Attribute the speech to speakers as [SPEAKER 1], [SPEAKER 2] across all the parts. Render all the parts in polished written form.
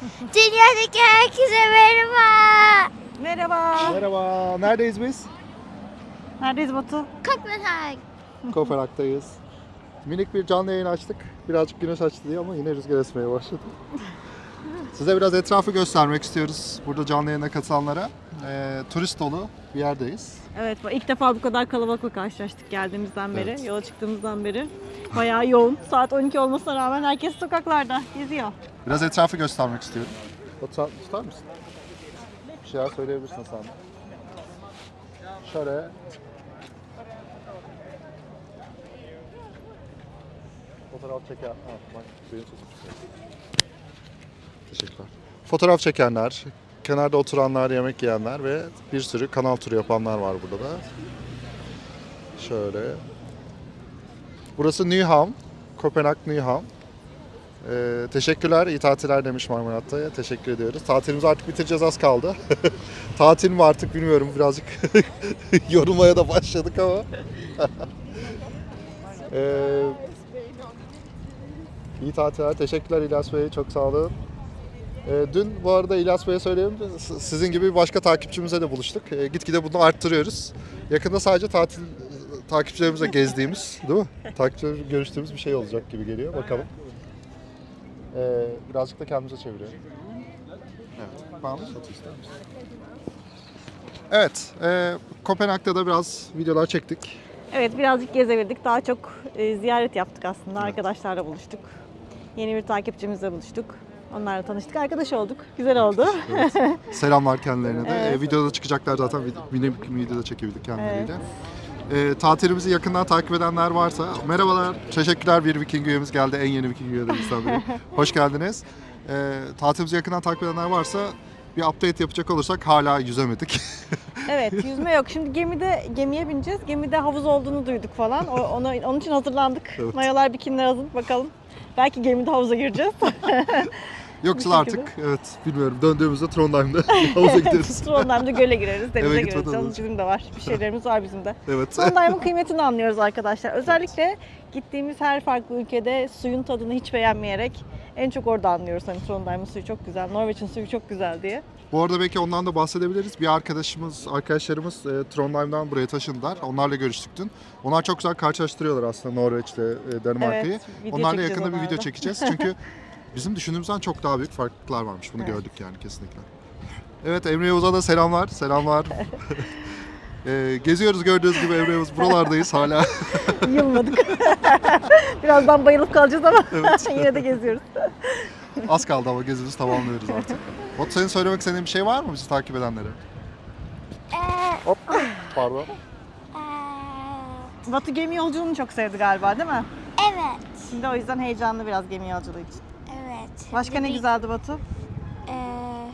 [SPEAKER 1] Dünyadaki herkese merhaba.
[SPEAKER 2] Merhaba.
[SPEAKER 3] Merhaba, neredeyiz biz?
[SPEAKER 2] Neredeyiz Batu?
[SPEAKER 1] Kopenhag.
[SPEAKER 3] Kopenhag'dayız. Minik bir canlı yayın açtık. Birazcık güneş açtı diye ama yine rüzgar esmeye başladı. Size biraz etrafı göstermek istiyoruz. Burada canlı yayına katılanlara. Turist dolu bir yerdeyiz.
[SPEAKER 2] Evet, ilk defa bu kadar kalabalıkla karşılaştık geldiğimizden beri, yola çıktığımızdan beri. Bayağı yoğun. Saat 12 olmasına rağmen herkes sokaklarda geziyor.
[SPEAKER 3] Biraz etrafı göstermek istiyorum. Tutar mısın? Bir şeyler söyleyebilirsin sen. Şöyle. Fotoğraf çeken... Ha, bak, benim sesim çıkıyor. Teşekkürler. Fotoğraf çekenler, kenarda oturanlar, yemek yiyenler ve bir sürü kanal turu yapanlar var burada da. Şöyle. Burası Nyhavn. Kopenhag Nyhavn. Teşekkürler, iyi tatiller demiş Marmarat'ta. Teşekkür ediyoruz. Tatilimizi artık bitireceğiz, az kaldı. Tatil mi artık bilmiyorum, birazcık yorulmaya da başladık ama. İyi tatiller, teşekkürler İlyas Bey, çok sağ olun. Dün bu arada İlyas Bey'e söyleyeyim, sizin gibi bir başka takipçimize de buluştuk. Gitgide bunu arttırıyoruz. Yakında sadece takipçilerimizle gezdiğimiz, değil mi? Takipçilerimizle görüştüğümüz bir şey olacak gibi geliyor, bakalım. Birazcık da kendimize çeviriyorum. Evet, bağımlı satı ister misin? Evet, Kopenhag'da da biraz videolar çektik.
[SPEAKER 2] Evet, birazcık gezebildik. Daha çok ziyaret yaptık aslında. Arkadaşlarla buluştuk. Yeni bir takipçimizle buluştuk. Onlarla tanıştık, arkadaş olduk. Güzel oldu.
[SPEAKER 3] Evet. Selamlar kendilerine de.
[SPEAKER 2] Evet.
[SPEAKER 3] Videoda çıkacaklar zaten. Bir videoda çekebildik kendileriyle. Tatilimizi yakından takip edenler varsa merhabalar, teşekkürler, bir Viking üyemiz geldi, en yeni Viking üyelerimizden biri. Hoş geldiniz. Tatilimizi yakından takip edenler varsa bir update yapacak olursak hala yüzemedik.
[SPEAKER 2] Evet, yüzme yok. Şimdi gemiye bineceğiz. Gemide havuz olduğunu duyduk falan. Onun için hazırlandık.
[SPEAKER 3] Evet.
[SPEAKER 2] Mayolar, bikiniler hazır, bakalım. Belki gemide havuza gireceğiz.
[SPEAKER 3] Yoksa
[SPEAKER 2] Bu şekilde.
[SPEAKER 3] artık evet bilmiyorum, döndüğümüzde Trondheim'da havuza gideriz.
[SPEAKER 2] Trondheim'da göle gireriz, denize
[SPEAKER 3] Eve
[SPEAKER 2] gireriz.
[SPEAKER 3] gitmeden
[SPEAKER 2] Canım,
[SPEAKER 3] önce.
[SPEAKER 2] bizim de var. Bir şeylerimiz var bizim de.
[SPEAKER 3] Evet.
[SPEAKER 2] Trondheim'ın kıymetini anlıyoruz arkadaşlar. Özellikle gittiğimiz her farklı ülkede suyun tadını hiç beğenmeyerek en çok orada anlıyoruz. Hani Trondheim'ın suyu çok güzel, Norveç'in suyu çok güzel diye.
[SPEAKER 3] Bu arada belki ondan da bahsedebiliriz. Bir arkadaşlarımız Trondheim'dan buraya taşındılar. Onlarla görüştük dün. Onlar çok güzel karşılaştırıyorlar aslında Norveç'le Danimarka'yı.
[SPEAKER 2] Evet, video
[SPEAKER 3] Onlarla
[SPEAKER 2] çekeceğiz
[SPEAKER 3] yakında bir
[SPEAKER 2] onlarla.
[SPEAKER 3] video çekeceğiz. Çünkü bizim düşündüğümüzden çok daha büyük farklılıklar varmış. Bunu gördük yani kesinlikle. Evet, Emre Yavuz'a da selamlar. Selamlar. Geziyoruz gördüğünüz gibi, Emre Yavuz. Buralardayız hala.
[SPEAKER 2] Yılmadık. Birazdan bayılıp kalacağız ama
[SPEAKER 3] Evet.
[SPEAKER 2] yine de geziyoruz.
[SPEAKER 3] Az kaldı ama gezimizi tamamlıyoruz artık. Batu, senin söylemek istediğin bir şey var mı bizi takip edenlere? Hop. Pardon.
[SPEAKER 2] Batu gemi yolculuğunu çok sevdi galiba, değil mi?
[SPEAKER 1] Evet.
[SPEAKER 2] Şimdi o yüzden heyecanlı biraz gemi yolculuğu için.
[SPEAKER 1] Evet.
[SPEAKER 2] Başka ne güzeldi Batu?
[SPEAKER 1] Ee,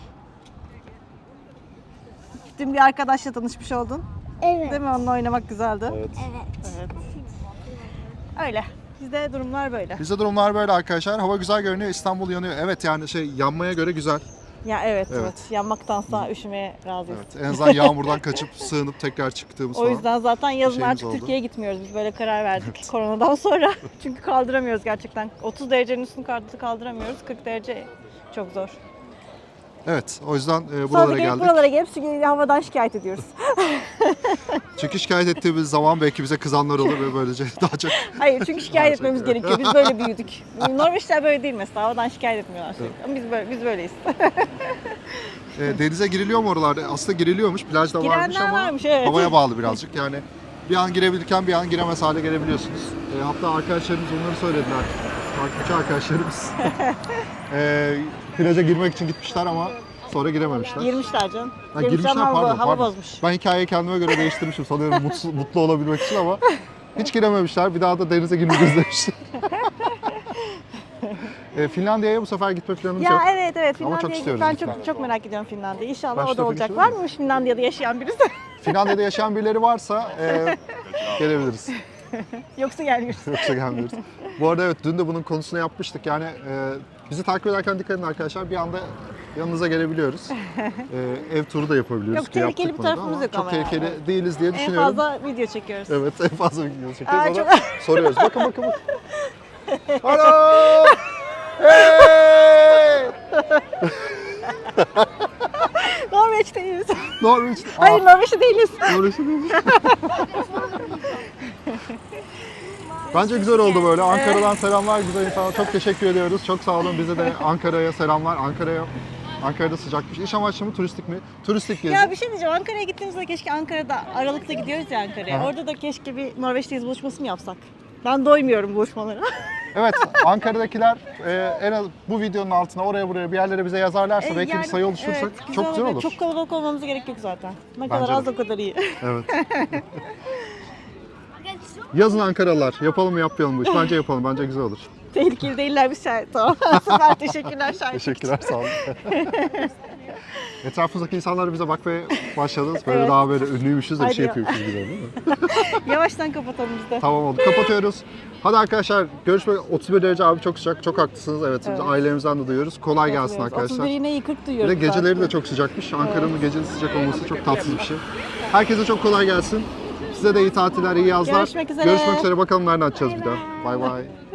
[SPEAKER 2] Dün bir arkadaşla tanışmış oldun.
[SPEAKER 1] evet.
[SPEAKER 2] Değil mi? Onunla oynamak güzeldi.
[SPEAKER 3] Evet.
[SPEAKER 1] Evet.
[SPEAKER 2] Evet. Öyle. Bizde durumlar böyle.
[SPEAKER 3] Bizde durumlar böyle arkadaşlar. Hava güzel görünüyor. İstanbul yanıyor. Evet, yani yanmaya göre güzel.
[SPEAKER 2] Ya evet,
[SPEAKER 3] Evet.
[SPEAKER 2] evet. Yanmaktansa üşümeye razıyız.
[SPEAKER 3] Evet. En azından yağmurdan kaçıp sığınıp tekrar çıktığımız
[SPEAKER 2] O
[SPEAKER 3] falan.
[SPEAKER 2] yüzden zaten yazın
[SPEAKER 3] şeyimiz
[SPEAKER 2] artık
[SPEAKER 3] oldu.
[SPEAKER 2] Türkiye'ye gitmiyoruz. Biz böyle karar verdik koronadan sonra. Çünkü kaldıramıyoruz gerçekten. 30 derecenin üstünü kaldıramıyoruz. 40 derece çok zor.
[SPEAKER 3] Evet, o yüzden
[SPEAKER 2] Sonra
[SPEAKER 3] buralara
[SPEAKER 2] gelip
[SPEAKER 3] geldik.
[SPEAKER 2] buralara gelip havadan şikayet ediyoruz.
[SPEAKER 3] Çünkü şikayet ettiğimiz zaman belki bize kızanlar olur ve böylece daha çok...
[SPEAKER 2] Hayır, çünkü şikayet
[SPEAKER 3] Her
[SPEAKER 2] etmemiz
[SPEAKER 3] şey.
[SPEAKER 2] gerekiyor. Biz böyle büyüdük. Norveçler böyle değil mesela. Havadan şikayet etmiyorlar sürekli. Ama biz böyleyiz.
[SPEAKER 3] Denize giriliyor mu oralarda? Aslında giriliyormuş, plajda varmış
[SPEAKER 2] Girenler
[SPEAKER 3] ama
[SPEAKER 2] varmış, evet.
[SPEAKER 3] havaya bağlı birazcık. Yani bir an girebilirken bir an giremez hale gelebiliyorsunuz. Hatta arkadaşlarımız onları söylediler. Takipçi arkadaşlarımız. Plaja girmek için gitmişler ama sonra girememişler.
[SPEAKER 2] Girmişler canım.
[SPEAKER 3] Ha,
[SPEAKER 2] Girmişler
[SPEAKER 3] girmişler,
[SPEAKER 2] ama
[SPEAKER 3] pardon.
[SPEAKER 2] hava bozmuş.
[SPEAKER 3] Ben hikayeyi kendime göre değiştirmişim sanıyorum mutlu olabilmek için ama hiç girememişler. Bir daha da denize girmeyeceğiz demişler. Finlandiya'ya bu sefer gitme planımız yok.
[SPEAKER 2] Ya evet
[SPEAKER 3] Ama
[SPEAKER 2] Finlandiya'ya
[SPEAKER 3] çok istiyoruz
[SPEAKER 2] ben
[SPEAKER 3] lütfen.
[SPEAKER 2] çok merak ediyorum Finlandiya'yı. İnşallah
[SPEAKER 3] Başta
[SPEAKER 2] o da olacak.
[SPEAKER 3] konuşalım
[SPEAKER 2] Var
[SPEAKER 3] mı?
[SPEAKER 2] mı Finlandiya'da yaşayan birisi?
[SPEAKER 3] Finlandiya'da yaşayan birileri varsa gelebiliriz.
[SPEAKER 2] Yoksa gelmiyoruz.
[SPEAKER 3] Yoksa gelmiyoruz. Bu arada evet, dün de bunun konusunu yapmıştık. Yani bizi takip ederken dikkat edin arkadaşlar. Bir anda yanınıza gelebiliyoruz. Ev turu da yapabiliyoruz.
[SPEAKER 2] Yok, tehlikeli
[SPEAKER 3] Yaptık
[SPEAKER 2] bir
[SPEAKER 3] bunu da
[SPEAKER 2] tarafımız
[SPEAKER 3] ama
[SPEAKER 2] yok
[SPEAKER 3] çok
[SPEAKER 2] ama
[SPEAKER 3] tehlikeli
[SPEAKER 2] yani.
[SPEAKER 3] değiliz diye
[SPEAKER 2] En
[SPEAKER 3] düşünüyorum.
[SPEAKER 2] fazla video çekiyoruz.
[SPEAKER 3] Evet, en fazla video çekiyoruz.
[SPEAKER 2] Aa,
[SPEAKER 3] Ona
[SPEAKER 2] çok-
[SPEAKER 3] soruyoruz. Bakın. Alo! Hey!
[SPEAKER 2] Norveç'teyiz.
[SPEAKER 3] Norveç.
[SPEAKER 2] Hayır Norveç'te değiliz.
[SPEAKER 3] Norveç'te değil. Bence güzel oldu böyle. Ankara'dan selamlar güzel insanlar. Çok teşekkür ediyoruz. Çok sağ olun. Bize de Ankara'ya selamlar. Ankara'da sıcakmış. İş amaçlı mı, turistik mi? Turistik gezi.
[SPEAKER 2] Ya bir şey diyeceğim. Ankara'ya gittiğimizde keşke Ankara'da Aralık'ta gidiyoruz ya Ankara'ya.
[SPEAKER 3] Aha.
[SPEAKER 2] Orada da keşke bir Norveç'teyiz buluşması mı yapsak? Ben doymuyorum buluşmalara.
[SPEAKER 3] Evet, Ankara'dakiler en az bu videonun altına oraya buraya bir yerlere bize yazarlarsa belki bir sayı oluştursak
[SPEAKER 2] evet,
[SPEAKER 3] çok güzel olur.
[SPEAKER 2] Çok kalabalık olmamıza gerek yok zaten. Ne
[SPEAKER 3] Bence
[SPEAKER 2] kadar az
[SPEAKER 3] de.
[SPEAKER 2] o kadar iyi.
[SPEAKER 3] Evet. Yazın Ankaralılar. Yapalım mı yapmayalım bu iş? Bence yapalım. Bence güzel olur.
[SPEAKER 2] Tehlikeli değiller biz şahit. Tamam. Süper teşekkürler şahit.
[SPEAKER 3] Teşekkürler, sağ olun. Etrafımızdaki insanlar bize bakmaya başladınız. Böyle
[SPEAKER 2] Evet.
[SPEAKER 3] daha böyle ünlüymüşüz de bir
[SPEAKER 2] Hadi
[SPEAKER 3] şey
[SPEAKER 2] ya.
[SPEAKER 3] yapıyormuşuz gibi değil mi?
[SPEAKER 2] Yavaştan kapatalım biz de.
[SPEAKER 3] Tamam oldu. Kapatıyoruz. Hadi arkadaşlar görüşmek 31 derece abi çok sıcak. Çok haklısınız. Evet, biz
[SPEAKER 2] Evet.
[SPEAKER 3] ailemizden de duyuyoruz. Kolay gelsin arkadaşlar.
[SPEAKER 2] 31 yine iyi 40
[SPEAKER 3] Bir
[SPEAKER 2] duyuyoruz.
[SPEAKER 3] de geceleri
[SPEAKER 2] zaten.
[SPEAKER 3] de çok sıcakmış. Ankara'nın gecesi sıcak olması çok tatsız bir şey. Herkese çok kolay gelsin. Size de iyi tatiller, iyi yazlar.
[SPEAKER 2] Görüşmek üzere.
[SPEAKER 3] Görüşmek üzere. Bakalım nereden açacağız bir daha. Bay bay.